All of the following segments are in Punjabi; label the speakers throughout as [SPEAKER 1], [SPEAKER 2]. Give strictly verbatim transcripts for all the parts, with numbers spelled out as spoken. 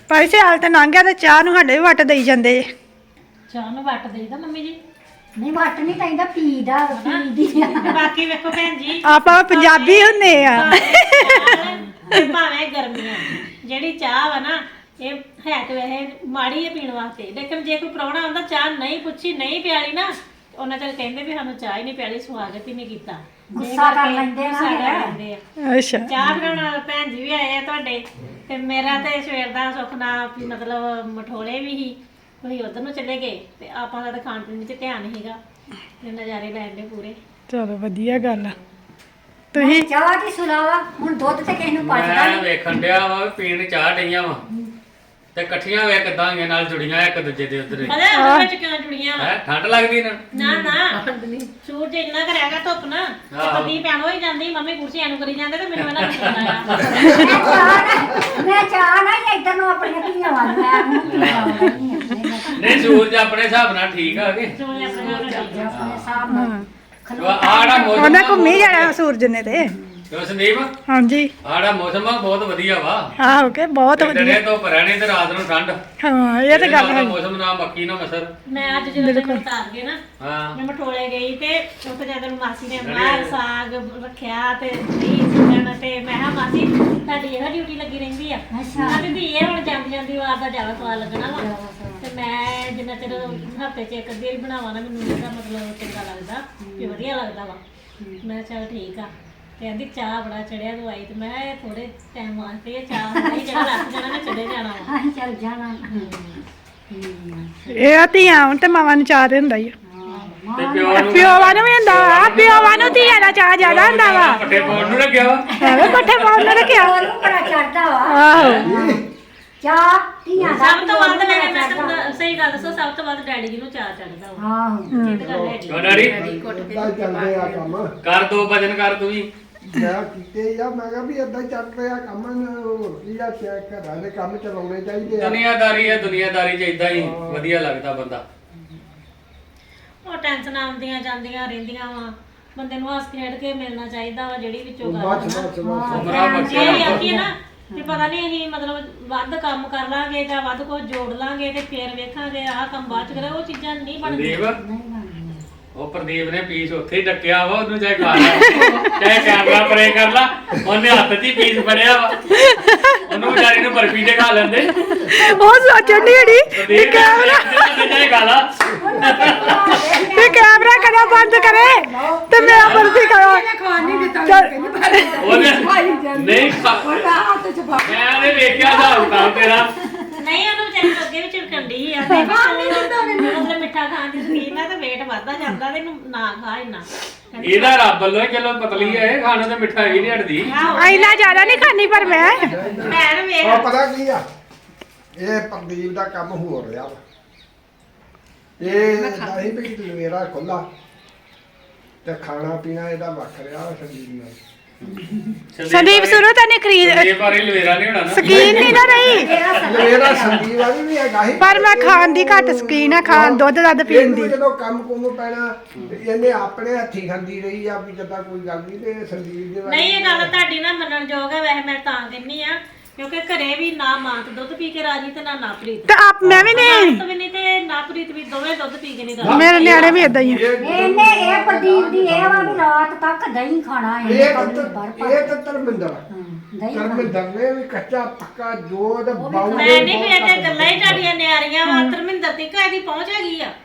[SPEAKER 1] ਭਾਈ ਸਿਆਲ ਤੇ ਲੰਘ ਗਿਆ ਤੇ ਚਾਹ ਨੂੰ ਸਾਡੇ ਵੀ ਵੱਟ ਦੇਈ ਜਾਂਦੇ ਜੇ।
[SPEAKER 2] ਚਾਹ ਨੂੰ ਵੱਟ ਦੇਈਦਾ ਮੰਮੀ ਜੀ।
[SPEAKER 3] ਨਹੀਂ ਵੱਟ ਨਹੀਂ ਕਹਿੰਦਾ ਪੀਦਾ ਪੀਦੀ
[SPEAKER 2] ਤੇ ਬਾਕੀ ਵੇਖੋ ਭੈਣ ਜੀ
[SPEAKER 1] ਆਪਾਂ ਪੰਜਾਬੀ ਹੁੰਦੇ ਆ।
[SPEAKER 2] ਤੇ ਭਾਵੇਂ ਗਰਮੀਆਂ ਜਿਹੜੀ ਚਾਹ ਵਾ ਨਾ ਇਹ ਹੈ ਤੇ ਵੈਸੇ ਮਾੜੀ ਹੈ ਪੀਣ ਵਾਸਤੇ, ਲੇਕਿਨ ਜੇ ਕੋਈ ਪ੍ਰਾਹੁਣਾ ਆਉਂਦਾ ਚਾਹ ਨਹੀਂ ਪੁੱਛੀ ਨਹੀਂ ਪਿਆਲੀ ਨਾ ਉਹਨਾਂ ਚਿਰ ਕਹਿੰਦੇ ਵੀ ਸਾਨੂੰ ਚਾਹ ਹੀ ਨਹੀਂ ਪਿਆਲੀ, ਸਵਾਗਤ ਹੀ ਨਹੀਂ ਕੀਤਾ।
[SPEAKER 3] ਗੁੱਸਾ ਕਰ ਲੈਂਦੇ
[SPEAKER 2] ਗੁੱਸਾ
[SPEAKER 3] ਨਾ
[SPEAKER 2] ਕਰ ਲੈਂਦੇ ਆ।
[SPEAKER 1] ਅੱਛਾ
[SPEAKER 2] ਚਾਹ ਬਣਾਉਣ ਭੈਣ ਜੀ ਵੀ ਆਏ ਆ ਤੁਹਾਡੇ, ਤੇ ਮੇਰਾ ਤੇ ਸਵੇਰ ਦਾ ਸੁੱਖ ਨਾਲ ਵੀ ਮਤਲਬ ਮਠੋਲੇ ਵੀ ਹੀ ਤੁਸੀਂ ਉਧਰ ਨੂੰ ਚਲੇ ਗਏ ਤੇ ਆਪਾਂ ਦਾ ਤਾਂ ਖਾਣ ਪੀਣ 'ਚ ਧਿਆਨ ਸੀਗਾ ਤੇ ਨਜ਼ਾਰੇ ਲੈਣ ਦੇ ਪੂਰੇ।
[SPEAKER 1] ਚਲੋ ਵਧੀਆ ਗੱਲ ਆ। ਤੁਸੀਂ
[SPEAKER 3] ਚਾਹ ਦੀ ਸੁਲਾਵਾ ਹੁਣ ਦੁੱਧ ਤੇ ਕਿਸੇ ਨੂੰ ਪਚਦਾ
[SPEAKER 4] ਮੈਂ
[SPEAKER 3] ਨਹੀਂ।
[SPEAKER 4] ਵੇਖਣ ਡਿਆ ਵਾ ਵੀ ਪੀਣ ਚਾਹ ਡਈਆਂ ਵਾ ਤੇ ਇਕੱਠੀਆਂ ਵੇ ਕਿਦਾਂ ਆਈਆਂ ਨਾਲ ਜੁੜੀਆਂ ਇੱਕ ਦੂਜੇ ਦੇ ਉੱਤੇ
[SPEAKER 2] ਪਤਾ ਉਹਦੇ ਵਿੱਚ ਕਿਉਂ ਜੁੜੀਆਂ ਵਾ?
[SPEAKER 4] ਹੈ ਠੰਡ ਲੱਗਦੀ ਨਾ
[SPEAKER 2] ਨਾ ਨਾ ਸੂਰਜ ਇੰਨਾ ਕਰਿਆਗਾ ਧੁੱਪ ਨਾ ਤੇ ਪਤੀ ਭੈਣ ਹੋਈ ਜਾਂਦੀ ਮੰਮੀ ਕੁਰਸੀ ਐਨੂੰ ਕਰੀ ਜਾਂਦੇ ਤੇ ਮੈਨੂੰ ਇਹਨਾਂ ਨੂੰ ਆਇਆ
[SPEAKER 3] ਮੈਂ ਚਾਹ ਨਾ ਮੈਂ ਚਾਹ ਨਾ ਇੱਧਰ ਨੂੰ ਆਪਣੀਆਂ ਧੀਆਂ ਵੱਲ ਮੈਂ ਮੂੰਹ ਪੀਣਾ
[SPEAKER 4] ਨਹੀਂ ਸੂਰਜ ਆਪਣੇ ਹਿਸਾਬ ਨਾਲ ਠੀਕ ਆ ਕੇ
[SPEAKER 2] ਸੂਰਜ ਆਪਣੇ ਨਾਲ ਠੀਕ ਆ।
[SPEAKER 3] ਆਪਣੇ ਸਾਹਬ ਨਾਲ
[SPEAKER 4] ਆੜਾ ਮੌਸਮ
[SPEAKER 1] ਉਹਨੇ ਘੁੰਮੀ ਜਾਣਾ ਸੂਰਜ ਨੇ ਤੇ।
[SPEAKER 4] ਕਿਉਂ ਸੰਦੀਪ
[SPEAKER 1] ਹਾਂਜੀ
[SPEAKER 4] ਆੜਾ ਮੌਸਮ ਆ ਬਹੁਤ ਵਧੀਆ ਵਾ।
[SPEAKER 1] ਆਹੋ ਕੇ ਬਹੁਤ ਵਧੀਆ।
[SPEAKER 4] ਦਿਨੇ ਤੋਂ ਪਰਣੇ ਤੇ ਰਾਤ ਨੂੰ ਠੰਡ।
[SPEAKER 1] ਹਾਂ ਇਹ ਤੇ ਗੱਲ
[SPEAKER 4] ਨਾ
[SPEAKER 1] ਹੈ।
[SPEAKER 4] ਮੌਸਮ ਨਾ ਮੱਕੀ ਨਾ ਮਸਰ।
[SPEAKER 2] ਮੈਂ ਅੱਜ ਜਦੋਂ ਤੱਕ ਉਤਾਰ ਗਏ ਨਾ
[SPEAKER 4] ਹਾਂ
[SPEAKER 2] ਮੈਂ ਮਠੋਲੇ ਗਈ ਤੇ ਉੱਥੇ ਜਦੋਂ ਮਾਸੀ ਨੇ ਬਾਹਰ ਸਾਗ ਰੱਖਿਆ ਤੇ ਦਹੀਂ ਸਿੱਕਣ ਤੇ ਮੈਂ ਕਿਹਾ ਮਾਸੀ ਤੁਹਾਡੀ ਇਹ ਡਿਊਟੀ ਲੱਗੀ ਰਹਿੰਦੀ ਆ।
[SPEAKER 3] ਅੱਛਾ।
[SPEAKER 2] ਕਹਿੰਦੀ ਵੀ ਇਹ ਹੁਣ ਜਾਂਦੀ ਜਾਂਦੀ ਵਾਰ ਦਾ ਜ਼ਿਆਦਾ ਸਵਾਦ ਲੱਗਣਾ ਵਾ ਤੇ ਮੈਂ ਜਿੰਨਾ ਚਿਰ ਹਫ਼ਤੇ 'ਚ ਇੱਕ ਅੱਧੀ ਵਾਰੀ ਬਣਾਵਾਂ ਨਾ ਮੈਨੂੰ ਇਹਦਾ ਮਤਲਬ ਚੰਗਾ ਲੱਗਦਾ ਵੀ ਵਧੀਆ ਲੱਗਦਾ ਵਾ। ਮੈਂ ਚੱਲ ਠੀਕ ਆ। ਤੇ ਕਹਿੰਦੀ ਚਾਹ ਬੜਾ ਚੜਿਆ ਤੂੰ ਆਈ ਤੇ ਮੈਂ ਕਿਹਾ ਇਹ ਥੋੜੇ ਟਾਈਮ ਵਾਸਤੇ ਇਹ ਚਾਹ ਨਹੀਂ ਜਿਹੜਾ ਲੱਗ ਜਾਣਾ ਨਾ ਚਲੇ ਜਾਣਾ ਵਾ।
[SPEAKER 3] ਅਸੀਂ ਚੱਲ ਜਾਣਾ
[SPEAKER 1] ਇਹ ਧੀਆਂ ਹੁਣ ਤੇ ਮਾਵਾਂ ਨੂੰ ਚਾਹ ਹੁੰਦਾ ਹੀ ਆ।
[SPEAKER 4] ਤੇ ਪਿਓ ਨੂੰ
[SPEAKER 1] ਪਿਓਵਾਂ ਨੂੰ ਵੀ ਹੁੰਦਾ ਵਾ, ਪਿਓਵਾਂ ਨੂੰ ਧੀਆਂ ਦਾ ਚਾਹ ਜ਼ਿਆਦਾ ਹੁੰਦਾ ਵਾ।
[SPEAKER 4] ਪੱਠੇ ਪਾਉਣ ਨੂੰ ਲੱਗਿਆ ਵਾ।
[SPEAKER 1] ਐਵੇਂ ਪੱਠੇ ਪਾਉਣ ਨੂੰ ਰੱਖਿਆ।
[SPEAKER 3] ਉਹਨੂੰ ਬੜਾ ਚੜਦਾ ਵਾ
[SPEAKER 1] ਆਹੋ
[SPEAKER 3] ਚਾਹ ਧੀਆਂ ਦਾ
[SPEAKER 2] ਸਭ ਤੋਂ ਵੱਧ ਮੈਂ ਮੈਂ ਤੁਹਾਨੂੰ ਸਹੀ ਗੱਲ ਦੱਸੋ ਸਭ ਤੋਂ ਵੱਧ ਡੈਡੀ ਜੀ ਨੂੰ ਚਾਹ ਚੜਦਾ ਵਾ।
[SPEAKER 3] ਆਹੋ
[SPEAKER 2] ਇਹ ਤਾਂ ਗੱਲ ਹੈਗੀ।
[SPEAKER 4] ਕਿਉਂ ਡੈਡੀ
[SPEAKER 5] ਏਦਾਂ ਚੱਲਦੇ ਆ ਕੰਮ
[SPEAKER 4] ਕਰ ਦੋ ਭਜਨ ਕਰ ਤੂੰ ਵੀ।
[SPEAKER 5] ਮੈਂ ਕੀਤੇ ਆ ਮੈਂ ਕਿਹਾ ਵੀ ਏਦਾਂ ਹੀ ਚੱਲਦੇ ਆ ਕੰਮ ਕੀ ਆ ਚੈੱਕ ਘਰਾਂ ਦੇ ਕੰਮ ਚਲਾਉਣੇ ਚਾਹੀਦੇ ਆ।
[SPEAKER 4] ਦੁਨੀਆਦਾਰੀ ਹੈ ਦੁਨੀਆਦਾਰੀ ਚ ਇਦਾਂ ਹੀ ਵਧੀਆ ਲੱਗਦਾ ਬੰਦਾ।
[SPEAKER 2] ਉਹ ਟੈਨਸ਼ਨ ਆਉਂਦੀਆਂ ਜਾਂਦੀਆਂ ਰਹਿੰਦੀਆਂ ਵਾ, ਬੰਦੇ ਨੂੰ ਹੱਸ ਖੇਡ ਕੇ ਮਿਲਣਾ ਚਾਹੀਦਾ ਵਾ ਜਿਹੜੀ ਵਿੱਚੋਂ ਗੱਲ
[SPEAKER 5] ਬਸ
[SPEAKER 2] ਆ ਨਾ।
[SPEAKER 5] ਬਸ ਬਸ
[SPEAKER 4] ਉਮਰਾਂ ਬਖਸ਼ਿਆ
[SPEAKER 2] ਇਹ ਆਖੀ ਨਾ ਕਿ ਪਤਾ ਨਹੀਂ ਅਸੀਂ ਮਤਲਬ ਵੱਧ ਕੰਮ ਕਰ ਲਾਂਗੇ ਜਾਂ ਵੱਧ ਕੁਝ ਜੋੜ ਲਾਂਗੇ ਤੇ ਫੇਰ ਵੇਖਾਂਗੇ ਆਹ ਕੰਮ ਬਾਅਦ ਚ ਕਰੇ, ਉਹ ਚੀਜ਼ਾਂ ਨਹੀਂ ਬਣਦੀਆਂ।
[SPEAKER 4] ਸੰਦੀਪ ਉਹ ਪ੍ਰਦੀਪ ਨੇ ਪੀਸ ਉੱਥੇ ਹੀ ਡੱਕਿਆ ਵਾ, ਉਹਨੂੰ ਚਾਹੇ ਖਾ ਲੈ ਚਾਹੇ ਕੈਮਰਾ ਪਰੇ ਕਰ ਲਾ, ਉਹਨੇ ਹੱਥ 'ਚ ਹੀ ਪੀਸ ਫੜਿਆ ਵਾ, ਉਹਨੂੰ ਵਿਚਾਰੀ ਨੂੰ ਬਰਫੀ ਦੇ ਖਾ ਲੈਂਦੇ।
[SPEAKER 1] ਉਹ ਸੋਚਣ ਦੀ ਹੜੀ
[SPEAKER 4] ਪ੍ਰਦੀਪ ਕੈਮਰਾ ਚਾਹੇ ਖਾ ਲਾ
[SPEAKER 1] ਤੇ ਕੈਮਰਾ ਕਦਾ ਬੰਦ ਕਰੇ ਤੇ ਮੇਰਾ ਬਰਫੀ ਖਾਓ।
[SPEAKER 4] ਉਹਨੇ ਨਹੀਂ ਖਾ ਮੈਂ ਨੇ ਵੇਖਿਆ ਹਿਸਾਬ ਕਿਤਾਬ ਤੇਰਾ।
[SPEAKER 2] ਨਹੀਂ ਉਹਨੂੰ ਵਿਚਾਰੀ ਨੂੰ ਅੱਗੇ ਵੀ ਝਿੜਕਣ ਡਈ ਆ ਤੇ ਮਤਲਬ ਮਿੱਠਾ ਖਾਣ ਦੀ ਸ਼ੌਕੀਨ ਆ ਤੇ weight ਵੱਧਦਾ ਜਾਂਦਾ ਤੇ ਇਹਨੂੰ ਨਾ ਖਾ ਇੰਨਾ।
[SPEAKER 4] ਇਹਦਾ ਰੱਬ ਵੱਲੋਂ ਹੀ ਚਲੋ ਪਤਲੀ ਹੈ, ਖਾਣੇ ਤੇ ਮਿੱਠਾ ਹੀ ਨਹੀਂ ਹਟਦੀ।
[SPEAKER 1] ਇੰਨਾ ਜ਼ਿਆਦਾ ਨਹੀਂ ਖਾਣੀ ਪਰ ਮੈਂ
[SPEAKER 2] ਭੈਣ
[SPEAKER 5] ਉਹ
[SPEAKER 2] ਵੇਖ
[SPEAKER 5] ਪਤਾ ਕੀ ਆ ਇਹ ਪ੍ਰਦੀਪ ਦਾ ਕੰਮ ਹੋ ਰਿਹਾ ਵਾ। ਇਹ ਨਹੀਂ ਵੀ ਲਵੇਰਾ ਖੁੱਲਾ ਤੇ ਖਾਣਾ ਪੀਣਾ ਇਹਦਾ ਵੱਖ ਰਿਹਾ ਵਾ ਸੰਦੀਪ ਨਾਲ।
[SPEAKER 1] ਸੰਦੀਪ ਸ਼ੁਰੂ ਤਾਂ ਨਹੀਂ ਖਰੀਦ
[SPEAKER 4] ਸੰਦੀਪ ਬਾਰੇ ਲਵੇਰਾ ਨਹੀਂ ਹੋਣਾ ਨਾ।
[SPEAKER 1] ਸਕੀਨ ਨਹੀਂ ਨਾ ਰਹੀ
[SPEAKER 5] ਲਵੇਰਾ ਸੰਦੀਪ ਵਾਲੀ ਵੀ ਹੈਗਾ ਹੀ
[SPEAKER 1] ਪਰ ਮੈਂ ਖਾਣ ਦੀ ਘੱਟ ਸਕੀਨ ਆ, ਖਾਣ ਦੁੱਧ ਦੱਧ ਪੀਣ
[SPEAKER 5] ਇਹਨੂੰ
[SPEAKER 1] ਦੀ।
[SPEAKER 5] ਜਦੋਂ ਕੰਮ ਕੁਮ ਪੈਣਾ ਤੇ ਇਹਨੇ ਆਪਣੇ ਹੱਥੀਂ ਖਾਂਦੀ ਰਹੀ ਆ ਵੀ ਜਦਾਂ ਕੋਈ ਗੱਲ ਨਹੀਂ ਤੇ ਸੰਦੀਪ ਦੇ
[SPEAKER 2] ਨਹੀਂ ਇਹ ਗੱਲ ਤੁਹਾਡੀ ਨਾ ਮੰਨਣ ਯੋਗ ਹੈ, ਵੈਸੇ ਮੈਂ ਤਾਂ ਕਹਿੰਨੀ ਆ ਕਿਉਂਕਿ ਘਰੇ ਵੀ ਨਾ ਮਾਂ ਤੇ ਦੁੱਧ ਪੀ ਕੇ ਰਾਜੀ ਤੇ ਨਾ ਨਾ ਪ੍ਰੀਤ
[SPEAKER 1] ਤੇ ਆਪ ਮੈਂ ਵੀ ਨਹੀਂ,
[SPEAKER 2] ਤੇ ਵੀ ਨਹੀਂ ਤੇ ਨਾ ਪ੍ਰੀਤ ਵੀ ਦੋਵੇਂ ਦੁੱਧ ਪੀ ਕੇ ਨਹੀਂ ਰਾਜੀ।
[SPEAKER 1] ਮੇਰੇ ਨਿਆਣੇ ਵੀ ਇਦਾਂ ਹੀ ਆ।
[SPEAKER 3] ਇਹਨੇ ਇਹ ਪ੍ਰਦੀਪ ਦੀ ਇਹ ਵਾ ਵੀ ਰਾਤ ਤੱਕ ਦਹੀਂ ਖਾਣਾ
[SPEAKER 5] ਇਹ
[SPEAKER 3] ਇਹਨੇ
[SPEAKER 5] ਤਾਂ
[SPEAKER 3] ਕਦੀ ਬਰ ਪਰ
[SPEAKER 5] ਇਹ ਤਾਂ ਧਰਮਿੰਦਰ ਆ।
[SPEAKER 3] ਦਹੀਂ ਖਾਣਾ।
[SPEAKER 5] ਧਰਮਿੰਦਰ ਨੇ ਵੀ ਕੱਚਾ ਪੱਕਾ ਜੋ ਤੇ ਬਾਉ
[SPEAKER 2] ਮੈਂ ਨਹੀਂ ਵੀ ਇਹ ਗੱਲਾਂ ਹੀ ਤੁਹਾਡੀਆਂ ਨਿਆਰੀਆਂ ਵਾ। ਧਰਮਿੰਦਰ ਤੇ ਇਹਦੀ ਪਹੁੰਚ ਹੈਗੀ ਆ।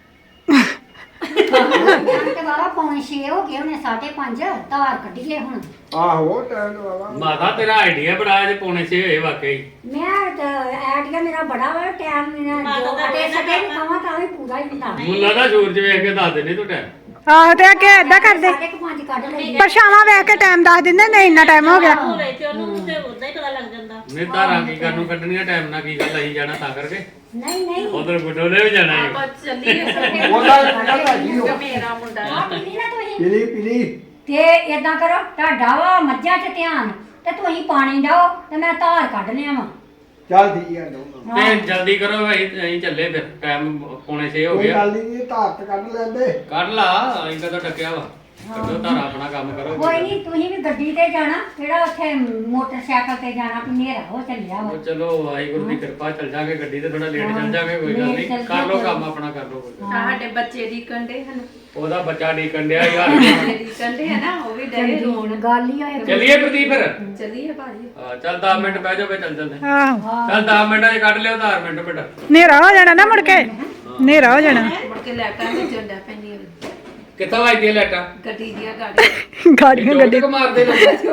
[SPEAKER 3] ਤੇ ਬਾਬਾ ਪੌਣੇ ਛੇ ਹੋ ਗਏ ਉਹਨੇ ਸਾਢੇ ਪੰਜ ਧਾਰ ਕੱਢੀਏ ਹੁਣ।
[SPEAKER 5] ਆਹੋ ਟਾਈਮ ਵਾਵਾ
[SPEAKER 4] ਮਾਤਾ ਤੇਰਾ ਆਈਡੀਆ ਬੜਾ ਜੇ ਪੌਣੇ ਛੇ ਹੋਏ ਵਾਕਈ।
[SPEAKER 3] ਮੈਂ ਤਾਂ ਆਈਡੀਆ ਮੇਰਾ ਬੜਾ ਵਾ ਟਾਈਮ ਮੇਰਾ ਜੋ ਕਦੇ ਸਕੇ ਵੀ ਕਵਾਂ ਤਾਂ ਵੀ ਪੂਰਾ ਹੀ ਹੁੰਦਾ।
[SPEAKER 4] ਮੁੱਲਾ ਦਾ ਸੂਰਜ ਵੇਖ ਕੇ ਦੱਸ ਦਿੰਦੇ ਤੂੰ ਟਾਈਮ।
[SPEAKER 1] ਆਹੋ ਤੇ ਅੱਗੇ ਏਦਾਂ ਕਰਦੇ
[SPEAKER 3] ਸਾਢੇ ਕੁ ਪੰਜ ਕੱਢ ਲਈ।
[SPEAKER 1] ਪਰਛਾਵਾਂ ਵੇਖ ਕੇ ਟਾਈਮ ਦੱਸ ਦਿੰਦੇ ਨਹੀਂ ਇੰਨਾ ਟਾਈਮ ਹੋ ਗਿਆ।
[SPEAKER 2] ਹੋਵੇ ਤੇ ਉਹਨੂੰ ਤੇ ਉਦਾਂ ਹੀ ਪਤਾ ਲੱਗ ਜਾਂਦਾ।
[SPEAKER 4] ਨਹੀਂ ਧਾਰਾਂ ਕੀ ਕਰਨ ਨੂੰ ਕੱਢਣੀਆਂ ਟਾਈਮ ਨਾਲ ਕੀ ਗੱਲ ਅਸੀਂ ਜਾਣਾ ਤਾਂ ਕਰਕੇ।
[SPEAKER 3] ਨਹੀਂ ਨਹੀਂ
[SPEAKER 4] ਉਧਰ ਗੁੱਡੋਲੇ ਵੀ ਜਾਣਾ ਹੈ।
[SPEAKER 5] ਉਹਦਾ ਕੱਢਾ ਜੀ ਉਹ
[SPEAKER 3] ਆ ਪੀਲੀ ਨਾ ਤੁਸੀਂ
[SPEAKER 5] ਪੀਲੀ ਪੀਲੀ
[SPEAKER 3] ਤੇ ਏਦਾਂ ਕਰੋ ਤੁਹਾਡਾ ਵਾ ਮੱਝਾਂ 'ਚ ਧਿਆਨ ਤੇ ਤੁਸੀਂ ਪਾਣੀ ਦਿਓ ਤੇ ਮੈਂ ਧਾਰ ਕੱਢ ਲਿਆ ਵਾ।
[SPEAKER 5] ਚੱਲ ਠੀਕ ਆ ਲਓ
[SPEAKER 4] ਤੇ ਜਲਦੀ ਕਰੋ ਅਸੀਂ ਅਸੀਂ ਚੱਲੇ ਫਿਰ ਟਾਈਮ ਪੌਣੇ ਛੇ ਹੋ
[SPEAKER 5] ਕੋਈ
[SPEAKER 4] ਗਿਆ।
[SPEAKER 5] ਗੱਲ ਨਹੀਂ ਧਾਰ ਤੇ ਕੱਢ ਲੈਂਦੇ।
[SPEAKER 4] ਕੱਢ ਲਾ ਅਸੀਂ ਕਦੋਂ ਟੱਕਿਆ ਵਾ। ਕੱਢੋ ਧਾਰਾ ਆਪਣਾ ਕੰਮ ਕਰੋ
[SPEAKER 3] ਕੋਈ ਨਹੀਂ ਤੁਸੀਂ ਵੀ ਗੱਡੀ ਤੇ ਜਾਣਾ ਕਿਹੜਾ ਉੱਥੇ ਮੋਟਰਸਾਈਕਲ ਤੇ ਜਾਣਾ ਵੀ ਹਨੇਰਾ ਹੋ ਚੱਲਿਆ ਵਾ
[SPEAKER 4] ਉਹ ਚਲੋ ਵਾਹਿਗੁਰੂ ਦੀ ਕਿਰਪਾ ਚੱਲ ਜਾਗੇ ਗੱਡੀ ਤੇ ਥੋੜਾ ਲੇਟ ਚੱਲ ਜਾਗੇ ਕੋਈ ਗੱਲ ਨਹੀਂ
[SPEAKER 3] ਲੇਟ ਚੱਲ
[SPEAKER 4] ਕਰ ਲਓ
[SPEAKER 3] ਜਾਗੇ।
[SPEAKER 4] ਕੰਮ ਆਪਣਾ ਕਰ ਲਓ ਕੋਈ ਗੱਲ ਨੀ।
[SPEAKER 6] ਸਾਡੇ ਬੱਚੇ ਦੀ ਕੰਡੇ ਹਨ
[SPEAKER 4] ਉਹਦਾ ਬੱਚਾ ਡੀਕਣ ਡਿਆ ਯਾਰ
[SPEAKER 6] ਬੱਚੇ ਦੀ ਕੰਡੇ ਹੈ ਨਾ ਉਹ ਵੀ ਡਰੇ ਰੋਣ
[SPEAKER 3] ਗੱਲ ਹੀ ਹੋਏ
[SPEAKER 4] ਚੱਲੀਏ ਪ੍ਰਦੀਪ ਫਿਰ
[SPEAKER 6] ਚੱਲੀਏ ਭਾਜੀ
[SPEAKER 4] ਹਾਂ, ਚੱਲ ਦਸ ਮਿੰਟ ਬਹਿ ਜਾਓ ਫੇ ਚੱਲ ਚੱਲਦੇ
[SPEAKER 1] ਆਹੋ
[SPEAKER 4] ਚੱਲ ਦਸ ਮਿੰਟਾਂ 'ਚ ਕੱਢ ਲਿਓ ਆਧਾਰ ਮਿੰਟ ਬੇਟਾ
[SPEAKER 1] ਹਨੇਰਾ ਹੋ ਜਾਣਾ ਨਾ ਮੁੜ ਕੇ ਹਨੇਰਾ ਹੋ ਜਾਣਾ
[SPEAKER 6] ਮੁੜ ਕੇ ਲੈਟਾਂ ਤੇ ਜੰਡਾ ਪੈਂਦੀਆਂ
[SPEAKER 4] ਕਿੱਥੋਂ ਵੱਜਦੀਆਂ ਲਾਈਟਾਂ
[SPEAKER 6] ਗੱਡੀ ਦੀਆਂ ਗਾੜੀਆਂ
[SPEAKER 1] ਗਾੜੀਆਂ ਗੱਡੀ
[SPEAKER 4] ਗੱਡੀ ਮਾਰਦੇ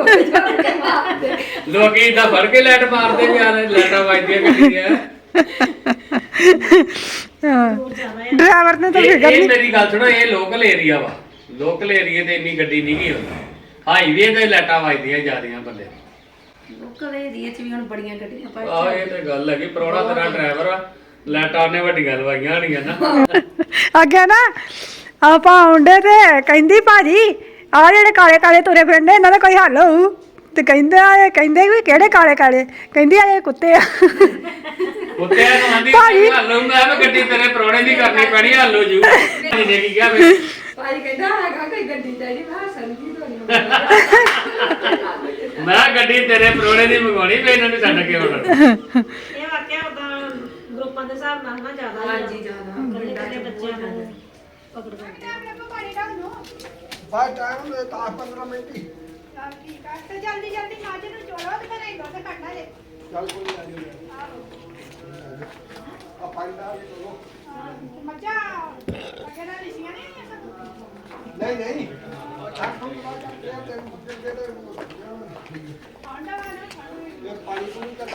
[SPEAKER 4] ਲੋਕ ਲੋਕੀ ਇਦਾਂ ਫੜ ਕੇ ਲਾਈਟ ਮਾਰਦੇ ਵੀ ਆ ਲਾਈਟਾਂ ਵੱਜਦੀਆਂ ਗੱਡੀ ਦੀਆਂ
[SPEAKER 1] ਹਾਂ
[SPEAKER 2] ਦੂਰ ਜ਼ਿਆਦਾ ਹੈ
[SPEAKER 1] ਡਰਾਈਵਰ ਨੇ ਤਾਂ
[SPEAKER 4] ਇਹ
[SPEAKER 1] ਫਿਕਰ
[SPEAKER 4] ਇਹ
[SPEAKER 1] ਨਹੀਂ
[SPEAKER 4] ਮੇਰੀ ਗੱਲ ਸੁਣੋ ਇਹ ਲੋਕਲ ਏਰੀਆ ਵਾ ਲੋਕਲ ਏਰੀਆ ਤੇ ਇੰਨੀ ਗੱਡੀ ਨਹੀਂ ਗਈ ਹੁੰਦਾ ਹਾਈਵੇ ਤੇ ਲਾਈਟਾਂ ਵੱਜਦੀਆਂ ਜ਼ਿਆਦੀਆਂ ਬੰਦੇ
[SPEAKER 6] ਲੋਕਲ ਏਰੀਆ 'ਚ ਵੀ ਹੁਣ ਬੜੀਆਂ ਗੱਡੀਆਂ ਪਾ
[SPEAKER 4] ਆਹ ਇਹ ਤੇ ਗੱਲ ਹੈਗੀ ਪ੍ਰੋਣਾ ਤੇਰਾ ਡਰਾਈਵਰ ਆ ਲਾਈਟਾਂ ਨੇ ਵੱਡੀਆਂ ਲਵਾਈਆਂ ਹੋਣੀਆਂ ਨਾ
[SPEAKER 1] ਅੱਗੇ ਨਾ ਆਪਾਂ ਆਉਂਦੇ ਤੇ ਕਹਿੰਦੀ ਭਾਜੀ ਆ ਜਿਹੜੇ ਕਾਲੇ ਕਾਲੇ ਤੁਰੇ ਫਿਰਦੇ ਇਹਨਾਂ ਦਾ ਕੋਈ ਹੱਲ ਹੋਊ ਤੇ ਕਹਿੰਦੇ ਆ ਇਹ ਕਹਿੰਦੇ ਵੀ ਕਿਹੜੇ ਕਾਲੇ ਕਾਲੇ ਕਹਿੰਦੀ ਆ ਇਹ ਕੁੱਤੇ ਆ
[SPEAKER 4] ਕੁੱਤਿਆਂ ਨੂੰ ਆਂਦੀ ਹੱਲੂ ਮੈਂ ਵੀ ਗੱਡੀ ਤੇਰੇ ਪ੍ਰੋਣੇ ਦੀ ਕਰਨੀ ਪੈਣੀ ਹੱਲੂ ਜੂ ਨੇ ਕੀ ਕਿਹਾ ਫਿਰ
[SPEAKER 6] ਭਾਜੀ ਕਹਿੰਦਾ ਹੈਗਾ ਕੋਈ ਗੱਡੀ ਤੇ ਨਹੀਂ ਮੈਂ ਸੰਗੀ ਤੋਂ ਨਹੀਂ
[SPEAKER 4] ਮੈਂ ਕਿਹਾ ਗੱਡੀ ਤੇਰੇ ਪ੍ਰੋਣੇ ਦੀ ਮੰਗਾਉਣੀ ਵੀ ਇਹਨਾਂ ਨੂੰ ਛੱਡ ਕੇ ਆਉਣਾ
[SPEAKER 2] ਇਹ ਵਾਕਿਆ ਉਦਾਂ ਗਰੁੱਪਾਂ ਦੇ ਹਿਸਾਬ ਨਾਲ ਨਾ ਜ਼ਿਆਦਾ
[SPEAKER 6] ਹਾਂਜੀ ਜ਼ਿਆਦਾ
[SPEAKER 2] ਇਕੱਲੇ ਇਕੱਲੇ ਬੱਚਿਆਂ ਨੂੰ ਪਕੜ ਕਰਦੇ
[SPEAKER 5] ਬਾਅਦ ਟਾਈਮ ਦੇ ਦਸ ਪੰਦਰਾਂ ਮਿੰਟ ਹੀ
[SPEAKER 1] ਠੀਕ ਆ ਤੇ ਜਲਦੀ ਜਲਦੀ ਮਾਜੇ ਨੂੰ ਚੋਲੋ ਤੇ ਫਿਰ ਇਹੋ ਤੇ ਕੱਢਣਾ ਜੇ
[SPEAKER 5] ਚੱਲ ਕੋਈ ਨਹੀਂ ਆ ਪਾਣੀ ਦਾ ਚਲੋ
[SPEAKER 1] ਮੱਝਾਂ ਅੱਗੇ ਨਾਲ ਲਿਸੀਆਂ ਨਹੀਂ
[SPEAKER 5] ਨਹੀਂ ਨਹੀਂ ਚਾਹ ਤੋਂ ਬਾਅਦ ਕਰਦੇ ਆ ਤੇ ਮੁੱਕੇ ਦੇ
[SPEAKER 1] ਆਂਡਾ ਵਾਲਾ
[SPEAKER 5] ਇਹ ਪਾਣੀ ਪੂਰੀ ਕਰ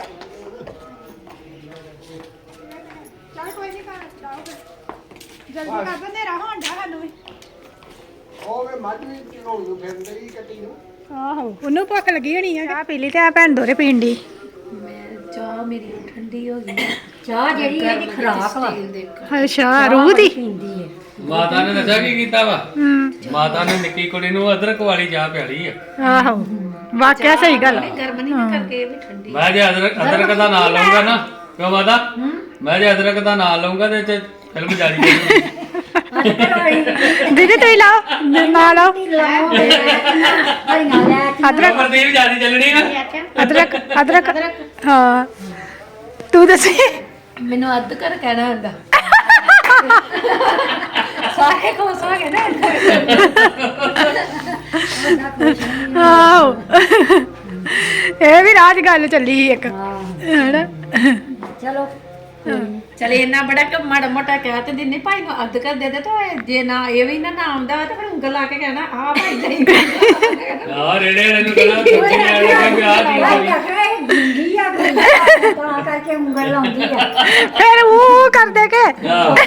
[SPEAKER 1] ਚੱਲ ਕੋਈ ਨਹੀਂ ਕਰ ਜਾਓ ਫਿਰ ਜਲਦੀ ਕਰ ਬੰਦੇ ਰਹਾ ਹੰਡਾ ਸਾਨੂੰ ਵੀ
[SPEAKER 5] ਉਹ ਵੇ ਮੱਝ ਵੀ ਚੋਣ ਨੂੰ ਫਿਰਦੇ ਹੀ ਕੱਟੀ ਨੂੰ
[SPEAKER 1] ਆਹੋ ਉਹਨੂੰ ਭੁੱਖ ਲੱਗੀ ਹੋਣੀ ਆ ਚਾਹ ਪੀ ਲਈ ਤੇ ਆ ਭੈਣ ਦੋਰੇ ਪੀਣ ਦੀ
[SPEAKER 6] ਮੈਂ ਚਾਹ ਮੇਰੀ ਠੰਡੀ ਹੋ ਗਈ
[SPEAKER 3] ਚਾਹ ਜਿਹੜੀ ਇਹਦੀ ਖਰਾਕ ਵਾ
[SPEAKER 6] ਤੇਲ ਦੇ
[SPEAKER 1] ਅੱਛਾ ਰੂਹ ਦੀ
[SPEAKER 3] ਪੀਂਦੀ ਹੈ
[SPEAKER 4] ਮਾਤਾ ਨੇ ਦੱਸਿਆ ਕੀ ਕੀਤਾ ਵਾ
[SPEAKER 1] ਹੂੰ
[SPEAKER 4] ਮਾਤਾ ਨੇ ਨਿੱਕੀ ਕੁੜੀ ਨੂੰ ਅਦਰਕ ਵਾਲੀ ਚਾਹ ਪਿਆਲੀ ਆ
[SPEAKER 1] ਆਹੋ ਵਾਕਿਆ ਸਹੀ ਗੱਲ ਆ।
[SPEAKER 6] ਗਰਮ ਨਹੀਂ ਨਾ ਕਰਕੇ ਇਹ ਵੀ ਠੰਡੀ
[SPEAKER 4] ਮੈਂ ਜੇ ਅਦਰਕ ਅਦਰਕ ਦਾ ਨਾਂ ਲਊਂਗਾ ਨਾ ਕਿਉਂ ਮਾਤਾ ਮੈਂ ਜੇ ਅਦਰਕ ਦਾ ਨਾਂ ਲਊਂਗਾ ਤੇ ਇਹ 'ਚ ਫਿਲਮ ਜਾਰੀ ਜਾਊਗੀ
[SPEAKER 1] ਦੀਦੀ ਤੁਸੀਂ ਲਾਓ ਨਾ ਲਾਓ
[SPEAKER 3] ਹਰੀਆਂ ਲੈ
[SPEAKER 1] ਅਦਰਕ
[SPEAKER 4] ਪ੍ਰਦੀਪ ਜਾਰੀ ਚੱਲਣੀ ਆ
[SPEAKER 1] ਅਦਰਕ ਅਦਰਕ ਹਾਂ ਤੂੰ ਦੱਸੀ
[SPEAKER 6] ਮੈਨੂੰ ਅੱਧ ਕਰ ਕਹਿਣਾ ਹੁੰਦਾ ਸਾਰੇ ਖੁਸ਼ ਹੋ ਗਏ ਨਾ
[SPEAKER 1] ਆਹੋ ਇਹ ਵੀ ਰਾਜ ਗੱਲ ਚੱਲੀ ਸੀ ਇੱਕ ਹੈਨਾ
[SPEAKER 3] ਚਲੋ
[SPEAKER 6] ਚਲੇ ਇੰਨਾ ਬੜਾ ਕਿ ਮਾੜਾ ਮੋਟਾ ਕਹਿ ਤੇ ਦਿੰਨੇ ਭਾਈ ਨੂੰ ਅੱਧ ਕਰ ਦੇ ਦੇ ਤਾਂ ਜੇ ਨਾ ਇਹ ਵੀ ਨਾ ਨਾ ਆਉਂਦਾ ਤਾਂ ਫਿਰ ਉਂਗਲ ਲਾ ਕੇ ਕਹਿਣਾ ਆ ਭਾਈ ਨਹੀਂ
[SPEAKER 4] ਆ ਰੇੜੇ ਵਾਲੇ ਨੂੰ ਕਹਿੰਦਾ ਸਬਜ਼ੀ ਲੈ ਲੈ ਕੇ ਆ ਦੀ
[SPEAKER 3] ਭਾਈ ਆਖਿਆ ਇਹ ਜਿੰਦੀ ਆ ਕੋਈ ਤਾਂ ਕਰਕੇ ਉਂਗਲ ਲਾਉਂਦੀ ਆ
[SPEAKER 1] ਫਿਰ ਉਹ ਕਰਦੇ ਕੇ
[SPEAKER 4] ਆਹ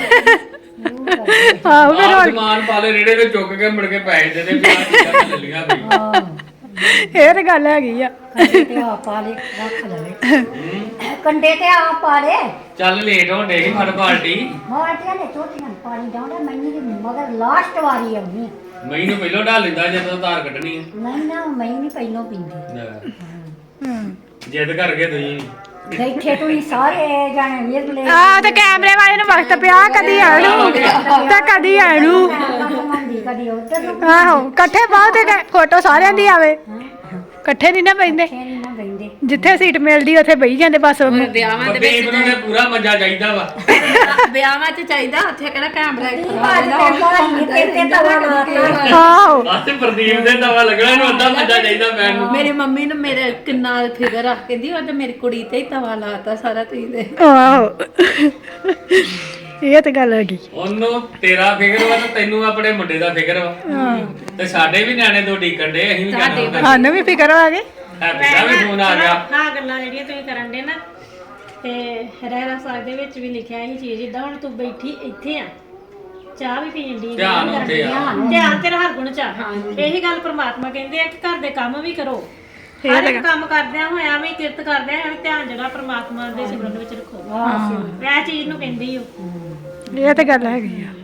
[SPEAKER 1] ਆਹੋ ਫਿਰ
[SPEAKER 4] ਆਹ
[SPEAKER 1] ਹੋਰ
[SPEAKER 4] ਸਮਾਨ ਪਾ ਲੈ ਰੇੜੇ ਤੇ ਚੁੱਕ ਕੇ ਮੁੜ ਕੇ ਪੈਸੇ ਦੇ ਦੇ ਪਿਆ ਚੀਜ਼ਾਂ ਲੱਲੀਆਂ ਵੀ
[SPEAKER 1] ਇਹ ਤੇ ਗੱਲ ਹੈਗੀ ਆ
[SPEAKER 3] ਕੰਡੇ ਤੇ ਆ ਪਾ ਲੈ ਰੱਖ ਲਵੇ ਕੰਡੇ ਤੇ ਆ ਪਾ ਲੈ
[SPEAKER 4] ਚੱਲ ਲੇਟ ਹੋਣ ਡੇ ਫੜ ਪਾਰਟੀ
[SPEAKER 3] ਮਾਟੀਆਂ ਨੇ ਛੋਟੀਆਂ ਪਾਣੀ ਡਾਉਂਦਾ ਮੈਨੂੰ ਵੀ ਮਗਰ ਲਾਸਟ ਵਾਰੀ ਆਉਣੀ ਆ।
[SPEAKER 4] ਮੈਨੂੰ ਪਹਿਲੋਂ ਢਾਲ ਲੈਂਦਾ ਜਦੋਂ ਧਾਰ ਕੱਢਣੀ ਹੈ
[SPEAKER 3] ਨਹੀਂ ਨਾ ਮੈਂ ਨਹੀਂ ਪਹਿਲੋਂ ਪੀਂਦੀ
[SPEAKER 1] ਹੂੰ
[SPEAKER 4] ਜਿੱਦ ਕਰਕੇ ਤੁਸੀਂ
[SPEAKER 3] ਬੈਠੇ ਤੁਸੀਂ ਸਾਰੇ ਜਾਣੇ ਵਿਰਲੇ
[SPEAKER 1] ਆ ਤੇ ਕੈਮਰੇ ਵਾਲੇ ਨੂੰ ਵਕਤ ਪਿਆ ਕਦੀ ਆਣੂ ਤੇ ਕਦੀ ਆਣੂ
[SPEAKER 3] ਮੰਦੀ ਕਦੀ ਉੱਧਰ ਨੂੰ
[SPEAKER 1] ਆਹੋ ਇਕੱਠੇ ਬਾਅਦ ਤੇ ਫੋਟੋ ਸਾਰਿਆਂ ਦੀ ਆਵੇ ਇਕੱਠੇ ਨਹੀਂ ਨਾ ਬੈਂਦੇ
[SPEAKER 3] ਨਹੀਂ ਨਾ ਬੈਂਦੇ
[SPEAKER 1] ਜਿੱਥੇ ਸੀਟ ਮਿਲਦੀ ਉੱਥੇ ਬਈ ਜਾਂਦੇ ਬਸ
[SPEAKER 6] ਵਿਆਹਾਂ ਦੇ
[SPEAKER 4] ਪ੍ਰਦੀਪ ਨੂੰ ਤੇ ਪੂਰਾ ਮਜ਼ਾ ਚਾਹੀਦਾ ਵਾ
[SPEAKER 6] ਵਿਆਹਾਂ 'ਚ ਚਾਹੀਦਾ ਉੱਥੇ ਕਿਹੜਾ ਕੈਮਰਾ
[SPEAKER 3] ਅੱਜ ਤੇ ਭਾਜੀ ਤੇ ਤੇ ਤਵਾ ਲਾਤਾ
[SPEAKER 1] ਆਹੋ
[SPEAKER 4] ਆਹ ਪ੍ਰਦੀਪ ਦੇ ਦਵਾ ਲੱਗਣਾ ਇਹਨੂੰ ਅੱਧਾ ਮਜ਼ਾ ਚਾਹੀਦਾ ਪੈਣ ਨੂੰ
[SPEAKER 6] ਮੇਰੀ ਮੰਮੀ ਨੂੰ ਮੇਰੇ ਕਿੰਨਾ ਫਿਕਰ ਆ ਕਹਿੰਦੀ ਉਹ ਤੇ ਮੇਰੀ ਕੁੜੀ ਤੇ ਹੀ ਤਵਾ ਲਾਤਾ ਸਾਰਾ ਤੁਸੀਂ ਦੇ
[SPEAKER 1] ਆਹੋ ਇਹ ਤੇ ਗੱਲ ਹੈਗੀ
[SPEAKER 4] ਉਹਨੂੰ ਤੇਰਾ ਫਿਕਰ ਵਾ ਤੇ ਤੈਨੂੰ ਆਪਣੇ ਮੁੰਡੇ ਦਾ ਫਿਕਰ ਵਾ ਤੇ ਸਾਡੇ ਵੀ ਨਿਆਣੇ ਦੋ ਡੀਕਣ ਡੇ ਅਸੀਂ ਵੀ ਕਹਿੰਦੇ
[SPEAKER 1] ਸਾਨੂੰ ਵੀ ਫਿਕਰ ਆ ਗਈ
[SPEAKER 4] ਹੈਪੀ ਦਾ ਵੀ ਫੋਨ ਆ ਗਿਆ
[SPEAKER 2] ਹਾਂ ਗੱਲਾਂ ਜਿਹੜੀਆਂ ਤੁਸੀਂ ਕਰਨ ਦੇ ਨਾ ਤੇ ਰਹਿਰਾ ਸਾਹਿਬ ਦੇ ਵਿੱਚ ਵੀ ਲਿਖਿਆ ਇਹ ਚੀਜ਼ ਇਦਾਂ ਹੁਣ ਤੂੰ ਬੈਠੀ ਇੱਥੇ ਆ ਚਾਹ ਵੀ ਪੀਣ ਦੀ
[SPEAKER 4] ਧਿਆਨ ਉੱਥੇ ਆ
[SPEAKER 2] ਧਿਆਨ ਤੇਰਾ ਹਰ ਗੁਣ ਚ ਆ ਇਹੀ ਗੱਲ ਪ੍ਰਮਾਤਮਾ ਕਹਿੰਦੇ ਆ ਕਿ ਘਰ ਦੇ ਕੰਮ ਵੀ ਕਰੋ ਹਰ ਇੱਕ ਕੰਮ ਕਰਦਿਆਂ ਹੋਇਆਂ ਵੀ ਕਿਰਤ ਕਰਦਿਆਂ ਹੋਇਆਂ ਵੀ ਧਿਆਨ ਜਿਹੜਾ ਪ੍ਰਮਾਤਮਾ ਦੇ ਸਿਮਰਨ ਵਿੱਚ ਰੱਖੋ ਇਹ ਚੀਜ਼ ਨੂੰ ਕਹਿੰਦੀ ਓ
[SPEAKER 1] ਇਹ ਤੇ ਗੱਲ ਹੈਗੀ ਆ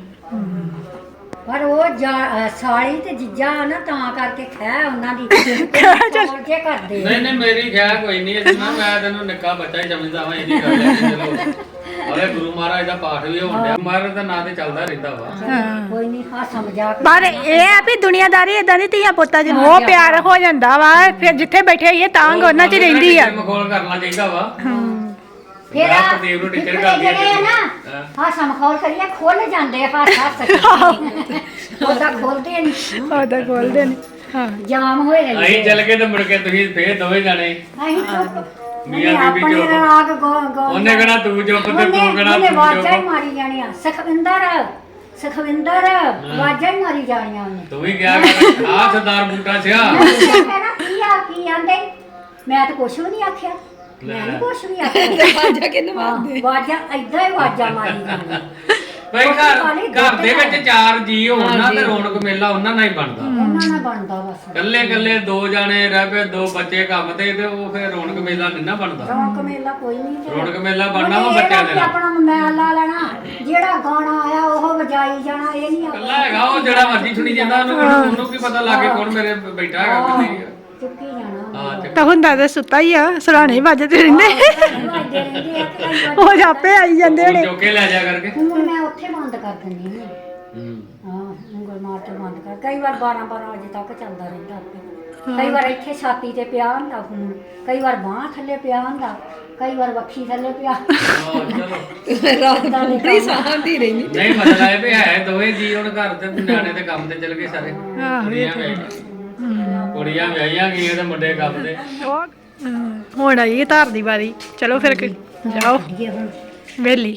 [SPEAKER 3] ਪਰ ਉਹ ਜਾ- ਸਾਲੀ ਤੇ ਜੀਜਾ ਨਾ ਤਾਂ ਕਰਕੇ ਖੈ ਉਹਨਾਂ ਦੀ ਤੋੜ ਕੇ ਕਰਦੇ
[SPEAKER 4] ਨਹੀਂ ਨਹੀਂ ਮੇਰੀ ਖਿਆ ਕੋਈ ਨਹੀਂ ਇਸ ਨਾਲ ਮੈਂ ਤੈਨੂੰ ਨਿੱਕਾ ਬੱਚਾ ਹੀ ਸਮਝਦਾ ਹਾਂ ਇਹਦੀ ਗੱਲ ਹੈ ਚਲੋ ਅਰੇ ਗੁਰੂ ਮਹਾਰਾਜ ਦਾ ਪਾਠ ਵੀ ਹੋਣ ਡਿਆ ਮਹਾਰਾਜ ਦਾ ਨਾਂ ਤੇ ਚੱਲਦਾ ਰਹਿੰਦਾ ਵਾ
[SPEAKER 3] ਕੋਈ ਨਹੀਂ ਹਾਸਾ ਮਜ਼ਾਕ
[SPEAKER 1] ਪਰ ਇਹ ਆ ਵੀ ਦੁਨੀਆਦਾਰੀ ਇਦਾਂ ਦੀ ਧੀਆ ਪੁੱਤਾਂ ਚ ਉਹ ਪਿਆਰ ਹੋ ਜਾਂਦਾ ਵਾ ਫਿਰ ਜਿੱਥੇ ਬੈਠੇ ਹੋਈਏ ਤਾਂ ਉਹਨਾਂ ਚ ਰਹਿੰਦੀ ਆ
[SPEAKER 4] ਮਖੌਲ ਕਰਨਾ ਚਾਹੀਦਾ ਵਾ
[SPEAKER 3] ਫਿਰ
[SPEAKER 4] ਮੈਂ
[SPEAKER 3] ਆ
[SPEAKER 4] ਪ੍ਰਦੀਪ ਨੂੰ ਟੀਚਰ
[SPEAKER 3] ਜਿਹੜੇ
[SPEAKER 4] ਕਰਦੀ
[SPEAKER 3] ਜਿਹੜੇ ਆ
[SPEAKER 4] ਆ
[SPEAKER 3] ਨਾ ਹਾਸਾ ਮਖੌਲ ਕਰੀਏ ਖੁੱਲ ਜਾਂਦੇ ਹੱਸ ਹੱਸ ਉਹਦਾ ਖੋਲਦੇ ਨਹੀਂ
[SPEAKER 1] ਉਹਦਾ ਖੋਲਦੇ ਨੇ ਹਾਂ
[SPEAKER 3] ਜਾਮ ਹੋਏ ਰਹਿੰਦੇ
[SPEAKER 4] ਅਸੀਂ ਚੱਲ ਕੇ ਤੇ ਮੁੜ ਕੇ ਤੁਸੀਂ ਫੇਰ ਦੋਵੇਂ ਜਾਣੇ
[SPEAKER 3] ਅਸੀਂ ਚੁੱਪ
[SPEAKER 4] ਮੀਆਂ
[SPEAKER 3] ਉਹਨੇ
[SPEAKER 4] ਬੀਬੀ
[SPEAKER 3] ਆਪਣੇ
[SPEAKER 4] ਚੁੱਪ।
[SPEAKER 3] ਰਾਗ ਗੋ ਗੋ
[SPEAKER 4] ਉਹਨੇ ਕਹਣਾ ਤੂੰ ਚੁੱਪ ਤੇ ਤੂੰ ਕਹਣਾ
[SPEAKER 3] ਉਹਨੇ
[SPEAKER 4] ਤੂੰ
[SPEAKER 3] ਵਾਜਾਂ ਹੀ
[SPEAKER 4] ਚੁੱਪ
[SPEAKER 3] ਮਾਰੀ ਜਾਣੀਆਂ ਸੁਖਵਿੰਦਰ ਸੁਖਵਿੰਦਰ ਵਾਜਾਂ ਹੀ ਮਾਰੀ ਜਾਣੀਆਂ ਉਹਨੇ
[SPEAKER 4] ਤੂੰ ਵੀ ਕਿਹਾ ਕਰ ਆ ਸਰਦਾਰ ਬੂਟਾ ਸਿਆ
[SPEAKER 3] ਕਹਿਣਾ ਕੀ ਆ ਕੀ ਆਂਦੇ ਮੈਂ ਤਾਂ ਕੁਛ ਵੀ ਨਹੀਂ ਆਖਿਆ ਮੈਂ ਨੀ ਕੁਛ ਵੀ ਆਖਿਆ
[SPEAKER 6] ਵਾਜਾ ਕਿੰਨੇ ਮਾਰਦੇ
[SPEAKER 3] ਵਾਜਾਂ ਏਦਾਂ ਹੀ ਵਾਜਾਂ ਮਾਰੀ ਜਾਣੀਆਂ
[SPEAKER 4] ਬਈ ਘਰ ਘਰ ਦੇ ਵਿੱਚ ਚਾਰ ਜੀ ਹੋਣ ਨਾ ਤੇ ਰੌਣਕ ਮੇਲਾ ਉਹਨਾਂ ਨਾਲ ਹੀ ਬਣਦਾ
[SPEAKER 3] ਉਹਨਾਂ ਨਾਲ ਬਣਦਾ ਬਸ
[SPEAKER 4] ਕੱਲੇ ਕੱਲੇ ਦੋ ਜਾਣੇ ਰਹਿ ਪਏ ਦੋ ਬੱਚੇ ਕੰਮ ਤੇ ਤੇ ਉਹ ਫਿਰ ਰੌਣਕ ਮੇਲਾ ਨਹੀਂ ਨਾ ਬਣਦਾ
[SPEAKER 3] ਰੌਣਕ ਮੇਲਾ ਕੋਈ ਨਹੀਂ ਤੇ
[SPEAKER 4] ਰੌਣਕ ਮੇਲਾ ਬਣਨਾ ਵਾ
[SPEAKER 3] ਉਹਨੇ ਇਹ
[SPEAKER 4] ਬੱਚਿਆਂ
[SPEAKER 3] ਨਾ
[SPEAKER 4] ਦੇ
[SPEAKER 3] ਕਿ
[SPEAKER 4] ਨਾਲ
[SPEAKER 3] ਆਪਣਾ ਮੋਬਾਈਲ ਲਾ ਲੈਣਾ ਜਿਹੜਾ ਗਾਣਾ ਆਇਆ ਉਹ ਵਜਾਈ ਜਾਣਾ ਇਹ ਨਹੀਂ
[SPEAKER 4] ਕੱਲਾ ਹੈਗਾ ਉਹ ਜਿਹੜਾ ਮਰਜ਼ੀ ਸੁਣੀ ਜਾਂਦਾ ਉਹਨੂੰ ਉਹਨੂੰ ਕੀ ਪਤਾ ਲੱਗੇ ਕੌਣ ਮੇਰੇ ਬੈਠਾ ਹੈਗਾ ਕਿ ਨਹੀਂ
[SPEAKER 3] ਚੁੱਕੀ ਜਾਣਾ
[SPEAKER 4] ਹਾਂ ਤੇ
[SPEAKER 1] ਤਾਂ ਹੁੰਦਾ ਤਾਂ ਸੁੱਤਾ ਹੀ ਆ ਸਰਾਣੇ ਵੱਜਦੇ ਰਹਿੰਦੇ
[SPEAKER 3] ਵਾਜਦੇ ਰਹਿੰਦੇ ਆ ਤੇ ਕਈ ਵਾਰ
[SPEAKER 1] ਉਹ ਜਾਪੇ ਆਈ ਜਾਂਦੇ
[SPEAKER 4] ਫੋਨ
[SPEAKER 1] ਹੋਣੇ
[SPEAKER 4] ਚੁੱਕ ਕੇ ਲੈ ਜਾ ਕਰਕੇ
[SPEAKER 3] ਹੁਣ ਮੈਂ ਉੱਥੇ ਬੰਦ ਕਰ ਦਿੰਦੀ ਹਾਂ
[SPEAKER 4] ਹੂੰ
[SPEAKER 3] ਹਾਂ ਉਂਗਲ ਮਾਰ ਕੇ ਬੰਦ ਕਰ ਕਈ ਵਾਰ ਬਾਰਾਂ ਬਾਰਾਂ ਵਜੇ ਤੱਕ ਚੱਲਦਾ ਰਹਿੰਦਾ ਆਪੇ ਕਈ ਵਾਰ ਇੱਥੇ ਛਾਤੀ ਤੇ ਪਿਆ ਹੁੰਦਾ ਫੋਨ ਕਈ ਵਾਰ ਬਾਂਹ ਥੱਲੇ ਪਿਆ ਹੁੰਦਾ ਕਈ ਵਾਰ ਵੱਖੀ ਥੱਲੇ ਪਿਆ
[SPEAKER 4] ਹਾਂ ਚਲੋ
[SPEAKER 6] ਰਾਤ ਦਾ ਪੂਰੀ ਸਾਂਭਦੀ ਰਹਿੰਦੀ
[SPEAKER 4] ਨਹੀਂ ਮਤਲਬ ਇਹ ਵੀ ਹੈ ਦੋਵੇਂ ਜੀ ਹੁਣ ਘਰ ਤੇ ਨਿਆਣੇ ਤੇ ਕੰਮ ਤੇ ਚਲ ਗਏ ਸਾਰੇ ਕੁੜੀਆਂ ਵਿਆਹੀਆਂ ਕੁੜੀਆਂ ਵਿਆਹੀਆਂ ਗਈਆਂ ਤੇ ਮੁੰਡੇ ਕੰਮ ਤੇ
[SPEAKER 1] ਉਹ, ਹਮ, ਹੁਣ ਆਈ ਹੈ ਧਾਰ ਦੀ ਵਾਰੀ ਚਲੋ ਫਿਰ ਕਿ- ਜਾਓ
[SPEAKER 3] ਇਹ ਹੁਣ
[SPEAKER 1] ਵੇਲੀ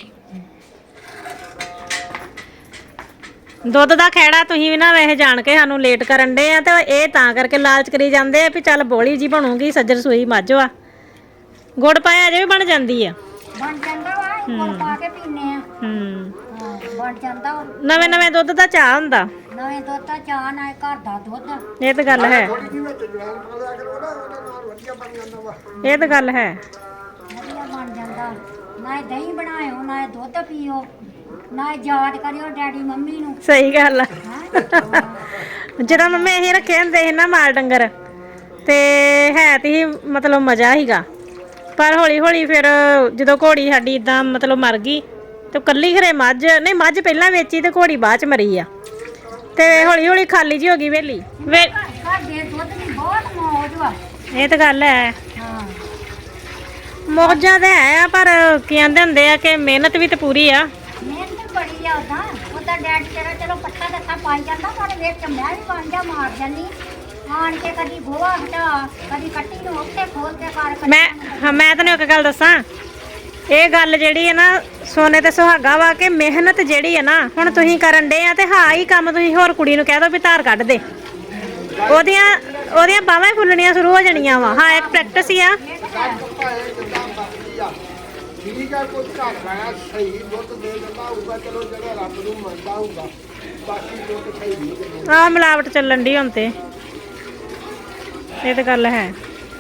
[SPEAKER 2] ਦੁੱਧ ਦਾ ਖੈੜਾ ਤੁਸੀਂ ਵੀ ਨਾ ਵੈਸੇ ਜਾਣ ਕੇ ਸਾਨੂੰ ਲੇਟ ਕਰਨ ਦੇ ਆ ਤੇ ਇਹ ਤਾਂ ਕਰਕੇ ਲਾਲਚ ਕਰੀ ਜਾਂਦੇ ਆ ਵੀ ਚੱਲ ਬੋਲੀ ਜੀ ਬਣੂਗੀ ਸੱਜਰ ਸੂਈ ਮੱਝ ਵਾ ਗੁੜ ਪਾਇਆ ਅਜੇ ਵੀ ਬਣ ਜਾਂਦੀ ਆ
[SPEAKER 3] ਬਣ ਜਾਂਦਾ ਵਾ ਗੁੜ ਪਾ ਕੇ ਪੀਨੇ ਆ
[SPEAKER 2] ਹੂੰ
[SPEAKER 3] ਹਾਂ ਬਣ ਜਾਂਦਾ ਵਾ।
[SPEAKER 2] ਨਵੇਂ ਨਵੇਂ ਦੁੱਧ ਦਾ ਚਾਹ ਹੁੰਦਾ
[SPEAKER 3] ਨਵੇਂ ਦੁੱਧ ਦਾ ਚਾਹ ਨਾਲ ਘਰ ਦਾ ਦੁੱਧ
[SPEAKER 2] ਇਹ ਤਾਂ ਗੱਲ ਹੈ
[SPEAKER 5] ਥੋੜੀ ਜਿਹੀ ਵਿੱਚ ਜਵਾਨ ਪਾ ਲਿਆ ਕਰੋ ਨਾ ਉਹਦੇ ਨਾਲ ਵਧੀਆ ਬਣ ਜਾਂਦਾ ਵਾ
[SPEAKER 2] ਇਹ ਤਾਂ ਗੱਲ ਹੈ
[SPEAKER 3] ਵਧੀਆ ਬਣ ਜਾਂਦਾ ਨਾ ਦਹੀਂ ਬਣਾਇਓ ਨਾ ਦੁੱਧ ਪੀਓ ਨਾ ਯਾਦ ਕਰਿਓ ਡੈਡੀ ਮੰਮੀ ਨੂੰ
[SPEAKER 2] ਸਹੀ ਗੱਲ ਆ
[SPEAKER 3] ਹੈਂ?
[SPEAKER 2] ਜਦੋਂ ਮੰਮੀ ਇਹ ਰੱਖੇ ਹੁੰਦੇ ਸੀ ਨਾ ਮਾਲ ਡੰਗਰ ਤੇ ਹੈ ਤੇ ਸੀ ਮਤਲਬ ਮਜ਼ਾ ਹੀਗਾ ਪਰ ਹੌਲੀ ਹੌਲੀ ਫਿਰ ਜਦੋਂ ਘੋੜੀ ਸਾਡੀ ਇਦਾਂ ਮਤਲਬ ਮਰ ਗਈ ਤੇ ਕੱਲੀ ਘਰੇ ਮੱਝ ਨਹੀਂ ਮੱਝ ਪਹਿਲਾਂ ਵੇਚੀ ਤੇ ਘੋੜੀ ਬਾਅਦ ਚ ਮਰੀ ਆ ਤੇ ਹੌਲੀ ਹੌਲੀ ਖਾਲੀ ਜੀ ਹੋ ਗਈ ਵੇਲੀ ਵੇ
[SPEAKER 3] ਸਾਡੇ ਦੁੱਧ ਦੀ ਬਹੁਤ ਮੌਜ ਵਾ
[SPEAKER 2] ਇਹ ਤਾਂ ਗੱਲ ਹੈ
[SPEAKER 3] ਹਾਂ
[SPEAKER 2] ਮੌਜਾਂ ਤੇ ਹੈ ਆ ਪਰ ਕੀ ਕਹਿੰਦੇ ਹੁੰਦੇ ਆ ਕਿ ਮਿਹਨਤ ਵੀ ਤੇ ਪੂਰੀ ਆ
[SPEAKER 3] ਮਿਹਨਤ ਬੜੀ ਆ ਉਦਾਂ ਉਹਦਾ ਡੈਡ ਤੇਰਾ ਚਲੋ ਪੱਠਾ ਦੱਸਾ ਪਾਈ ਜਾਂਦਾ ਪਰ ਵਿੱਚ ਮੈਂ ਵੀ ਵਾਂਝਾ ਮਾਰ ਜਾਂਦੀ ਆਣ ਕੇ ਕਦੀ ਗੋਹਾ ਹਟਾ ਕਦੀ ਕੱਟੀ ਨੂੰ ਉੱਥੇ ਖੋਲ ਕੇ ਕਰ ਕਦੀ
[SPEAKER 2] ਮੈਂ ਹਾਂ ਮੈਂ ਤੈਨੂੰ ਇੱਕ ਗੱਲ ਦੱਸਾਂ ਇਹ ਗੱਲ ਜਿਹੜੀ ਹੈ ਨਾ ਸੋਨੇ ਤੇ ਸੁਹਾਗਾ ਵਾ ਕਿ ਮਿਹਨਤ ਜਿਹੜੀ ਹੈ ਨਾ ਹੁਣ ਤੁਸੀਂ ਕਰਨ ਡੇ ਆ ਤੇ ਹਾਂ ਹੀ ਕੰਮ ਤੁਸੀਂ ਹੋਰ ਕੁੜੀ ਨੂੰ ਕਹਿ ਦੋ ਵੀ ਧਾਰ ਕੱਢ ਦੇ ਉਹਦੀਆਂ ਉਹਦੀਆਂ ਬਾਹਾਂ ਹੀ ਫੁੱਲਣੀਆਂ ਸ਼ੁਰੂ ਹੋ ਜਾਣੀਆਂ ਵਾ ਹਾਂ ਇੱਕ ਪ੍ਰੈਕਟਿਸ ਹੀ ਆ
[SPEAKER 5] ਭਾਵੇਂ ਜਿੱਦਾਂ ਮਰਜ਼ੀ ਆ ਠੀਕ ਆ ਕੋਈ ਘਰ ਆਇਆ ਸਹੀ ਦੁੱਧ ਦੇ ਦਿੰਦਾ ਹੋਊਗਾ ਚਲੋ ਜਿਹੜਾ ਰੱਬ ਨੂੰ ਮੰਨਦਾ ਹੋਊਗਾ ਬਾਕੀ ਦੁੱਧ ਸਹੀ ਨਹੀਂ ਦਿੰਦੇ
[SPEAKER 2] ਆਹ ਮਿਲਾਵਟ ਚੱਲਣ ਦੀ ਹੁਣ ਤੇ ਇਹ ਤਾਂ ਗੱਲ ਹੈ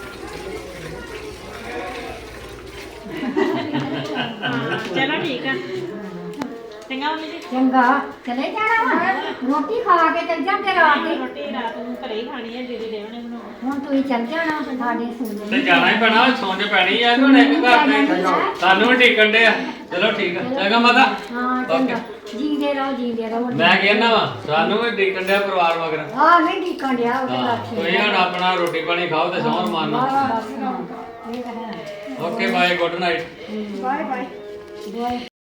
[SPEAKER 2] ਚਲੋ ਠੀਕ ਆ ਚੰਗਾ ਮੰਮੀ ਜੀ
[SPEAKER 3] ਚੰਗਾ ਚਲੇ ਜਾਣਾ ਵਾ ਰੋਟੀ ਖਾ ਕੇ ਚੱਲ ਜਾਂਦੇ ਰਾਤ ਦੀ
[SPEAKER 2] ਰੋਟੀ ਰਾਤ ਨੂੰ ਘਰੇ ਹੀ ਖਾਣੀ ਹੈ ਦੀਦੀ ਦੇਵਣੇ ਬਣਾਉਣਾ
[SPEAKER 3] ਹੁਣ ਤੁਸੀਂ ਚੱਲ ਜਾਣਾ ਸਾਡੇ
[SPEAKER 4] ਤੇ
[SPEAKER 3] ਸੁਣ
[SPEAKER 4] ਜਾਣਾ ਹੀ ਪੈਣਾ ਸੌਂਜ ਪੈਣੀ ਆ ਹੁਣ ਇੱਕ ਘਰ ਤੇ ਸਾਨੂੰ ਵੀ ਟਿਕਣ ਦੇ ਆ ਚਲੋ ਠੀਕ ਆ ਚੰਗਾ ਮਾਤਾ
[SPEAKER 3] ਹਾਂ ਚੰਗਾ ਜੀਂਦੇ ਰਹੋ ਜੀਂਦੇ ਰਹੋ
[SPEAKER 4] ਮੈਂ ਕਹਿੰਦਾ ਵਾ ਸਾਨੂੰ ਵੀ ਟਿਕਣ ਦੇ ਪਰਿਵਾਰ ਮਗਰ
[SPEAKER 3] ਹਾਂ ਨਹੀਂ ਢੀਕਣ ਡਿਆ ਉਹਦੇ
[SPEAKER 4] ਹਾਂ
[SPEAKER 3] ਲੱਖੇ
[SPEAKER 4] ਤੁਸੀਂ ਹੁਣ ਆਪਣਾ ਰੋਟੀ ਪਾਣੀ ਖਾਓ ਤੇ ਸੌਣ ਮਾਰਨਾ
[SPEAKER 3] ਇਹ ਤਾਂ ਹੈ
[SPEAKER 4] okay bye good night
[SPEAKER 3] bye bye bye